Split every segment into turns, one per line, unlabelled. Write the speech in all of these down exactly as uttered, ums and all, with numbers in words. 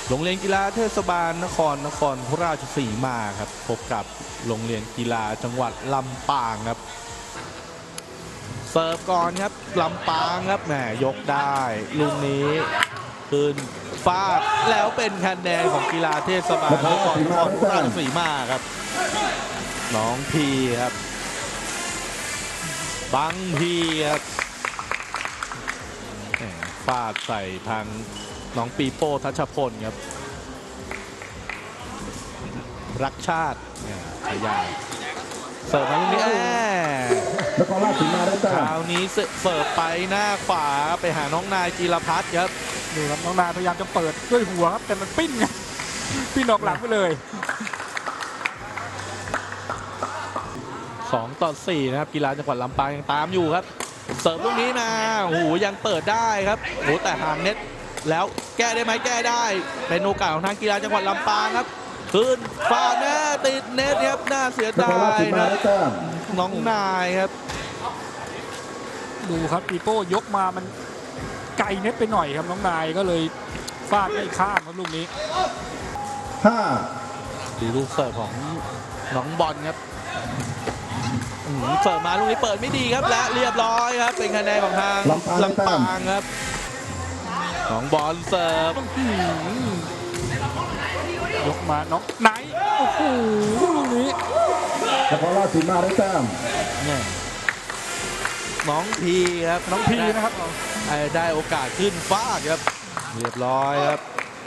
โรงเรียนกีฬาเทศบาลนครนครราชสีมาครับพบกับโรงเรียนกีฬาจังหวัดลำปางครับเสิร์ฟก่อนครับลำปางครับแหมยกได้ลูกนี้ขึ้นฟาดแล้วเป็นคะแนนของกีฬาเทศบาลนครนครราชสีมาครับน้องพีครับบังพีครับฟาดใส่ทางน้องปีโป้ทัชพลครับรักชาติขยายเสิร์ฟมาลูกนี้
นครราชสีมาได้จ้า
คราวนี้เสิร์ฟไปหน้าขวาไปหาน้องนายจีรพัฒน์ครับ
ดูครับน้องนายพยายามจะเปิดด้วยหัวครับแต่มันปิ้นไงปิ้นออกหลังไปเลย
สองต่อสี่นะครับกีฬาจังหวัดลำปางยังตามอยู่ครับเสิร์ฟลูกนี้มาโอ้โหยังเปิดได้ครับโอ้โหแต่ห่างเน็ตแล้วแก้ได้ไหมแก้ได้เป็นโอกาสของทางกีฬาจังหวัดลำปางครับขึ้นฟาดแน่ติดเน็ตครับน่าเสียดายนะน้องนายครับ
ดูครับปีโป้ยกมามันไกลเน็ตไปหน่อยครับน้องนายก็เลยฟาดไม่ข้ามครับลูกนี้
ห้า
ดูลูกเสิร์ฟของน้องบอลครับเสิร์ฟมาลูกนี้เปิดไม่ดีครับและเรียบร้อยครับเป็นคะแนนของทางลำปางครับของบอลเสิร์ฟ
ยกมาน้องไหนโอ้โหลูกนี้
นครราชสีมาได้แต้ม
น้องพีครับ
น้องพีนะครับ
ได้โอกาสขึ้นฟาดครับเรียบร้อยครับ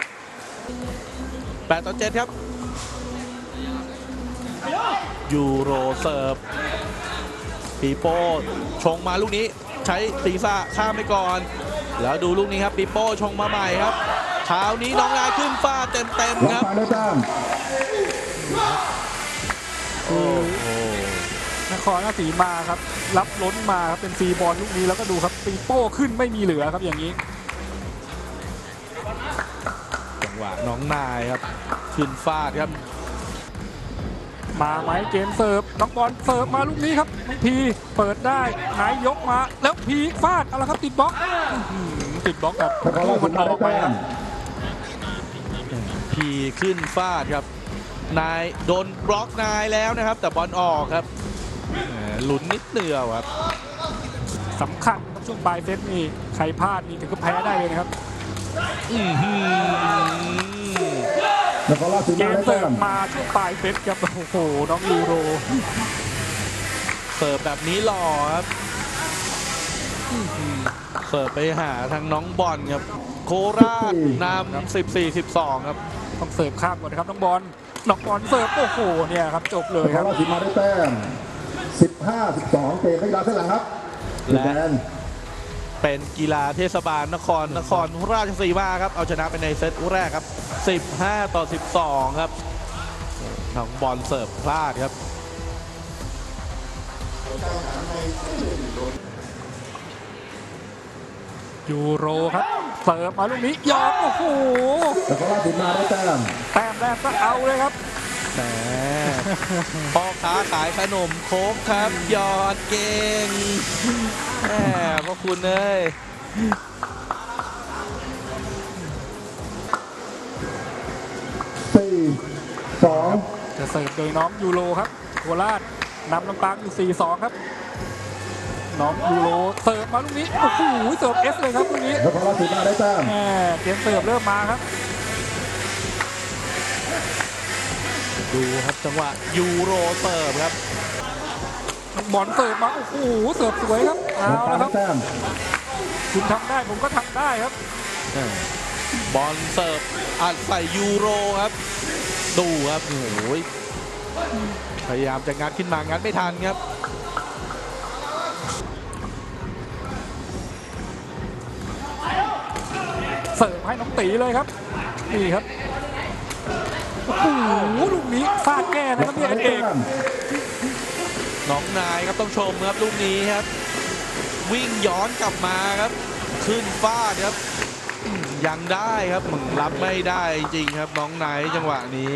แปดต่อเจ็ดครับยูโรเสิร์ฟปีโป้ชงมาลูกนี้ใช้ศีรษะข้ามไปก่อนแล้วดูลูกนี้ครับปีโป้ชงมาใหม่ครับเช้านี้น้องนายขึ้นฟาดเต็มๆครับ
โอ้โหนครราชสีมาครับรับล้นมาครับเป็นฟรีบอลลูกนี้แล้วก็ดูครับปีโป้ขึ้นไม่มีเหลือครับอย่างนี้
จังหวะน้องนายครับขึ้นฟาดครับ
มาไหมเกมเสิร์ฟน้องบอลเสิร์ฟมาลูกนี้ครับพีเปิดได้ไหนยกมาแล้วพีฟาดอะไรครับติดบล็อกติดบล็อกครับลูกมันออกไปครับ
พีขึ้นฟาดครับนายโดนบล็อกนายแล้วนะครับแต่บอลออกครับหลุนนิดเดียวครับ
สำคัญครับช่วงปลายเซตนี่ใครพลาดนี่ถึงก็แพ้ได้เลยนะครับเกมเสิร์ฟมาช่วงปลายเซตครับโอ้โหน้องยูโร
เสิร์ฟแบบนี้หล่อครับเสิร์ฟไปหาทางน้องบอลครับโคราชนำสิบสี่ สิบสองครับ
ต้องเสิร์ฟข้ามก่อนนะครับน้องบอลน้องบอลเสิร์ฟโอ้โหเนี่ยครับจบเลยครับ
ราชสีมาได้แต้มสิบห้า สิบสองเกมกีฬาเส้นหลังครับ
และเป็นกีฬาเทศบาลนครนครราชสีมาครับเอาชนะไปในเซตแรกครับสิบห้าต่อสิบสองครับน้องบอลเสิร์ฟพลาดครับ
ยูโรครับเสิร์ฟมาลูกนี้ยอมโอ้โห
แต่ก็ราชสีมาได้แต้ม
แต้มแรกก็เอาเลยครับ
แหมพ่อค้าขายขนมโค้กครับยอดเก่งแหมพวกคุณเลย
สี่ สอง
จะเสิร์ฟโดยน้องยูโรครับโคราชนำลำปางอยู่ สี่ สอง ครับน้องยูโรเสิร์ฟมาลูกนี้โอ้โหเสิร์ฟเอสเลยครับลูกนี้
แล้วพอราชสีมาได้แต้ม
แหมเกมเสิร์ฟเริ่มมาครับ
ดูครับจังหวะยูโรเสิร์ฟครับ
บอลเสิร์ฟมาโอ้โหเสิร์ฟสวยครับเอาละครับคุณทำได้ผมก็ทำได้ครับ
บอลเสิร์ฟอัดใส่ยูโรครับดูครับโอ้โหพยายามจะงัดขึ้นมางัดไม่ทันครับ
เสิร์ฟให้น้องตีเลยครับนี่ครับโอ้โหลูกนี้ฟาดแก้นะครับพี่เอก
น้องนายครับต้องชมครับลูกนี้ครับวิ่งย้อนกลับมาครับขึ้นฟาดครับยังได้ครับมึงรับไม่ได้จริงครับน้องนายจังหวะนี้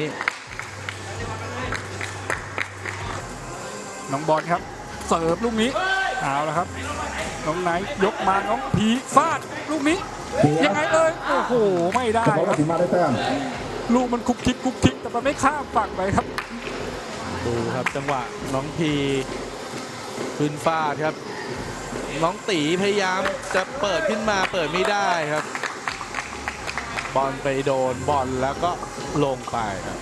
น้องบอลครับเสิร์ฟลูกนี้เอาละครับน้องนายยกมาน้องพีฟาดลูกนี้ยังไงเอ่ยโอ้โหไม่ได้
นคร
ค
รา
รั
ช
บ
สีมาได้แต้ม
ลูกมันคุกคิกคุกคิกแต่มันไม่ข้ามฝั่งไปครับ
ดูครับจังหวะน้องพีขึ้นฟาดครับ น้องตีพยายามจะเปิดขึ้นมาเปิดไม่ได้ครับ บอลไปโดนบอลแล้วก็ลงไปครับ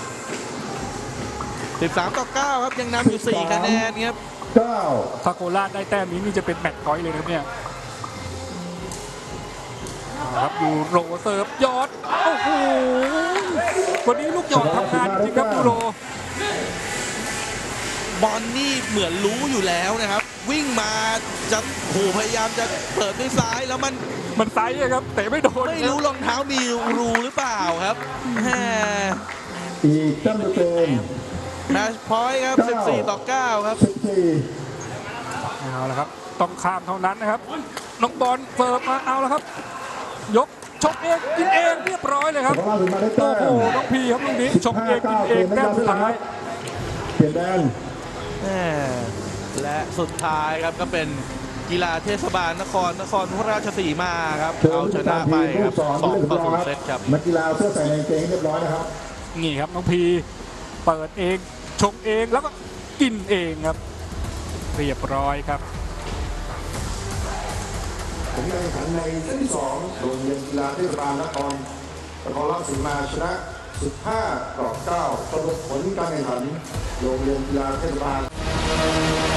สิบสามต่อเก้าครับยังนำอยู่สี่คะแนนครับ
เก้า
ถ้าโคราชได้แต้มนี้นี่จะเป็นแมตช์พอยต์เลยนะครับเนี่ยเอาครับยูโรเสิร์ฟยอดโอ้โหวันนี้ลูกหยอดทำงานจริงครับยูโร
บอลนี่เหมือนรู้อยู่แล้วนะครับ วิ่งมาจะโหพยายามจะเปิดด้วยซ้ายแล้วมัน
มันไซส์อะครับเตะไม่โดน
ไม่รู้รองเท้ามีรูหรือเปล่าครับแหม
อีกแต้มเต็ม
แมชพอยต์ครับสิบสี่ต่อเก้าครับ
สิบสี่
เอาละครับต้องข้ามเท่านั้นนะครับน้องบอลเสิร์ฟมาเอาละครับ ยกชกเองกินเองเรียบร้อยเลยครับ
นครราชสีมาได้แต้
โอ้
ม
โหน้องพีครับลูกนี้ชกเองกินเองแต้มสุดท้าย
เปลี่ยนแดน
แหมและสุดท้ายครับก็เป็นกีฬาเทศบาลนครนครราชสีมาครับเอาชนะไปครับสองต่อศูนย์เซตครับ
นักกีฬาเสื้อใส่ในกางเกงเรียบร้อยนะครับ
นี่ครับน้องพีเปิดเองชงเองแล้วก็กินเองครับ เรียบร้อยครับ
ผลการแข่งขันในเซตที่สองโรงเรียนกีฬาเทศบาลนครนครราชสีมาชนะสิบห้าต่อเก้าสรุปผลการแข่งขันโรงเรียนกีฬาเทศบาล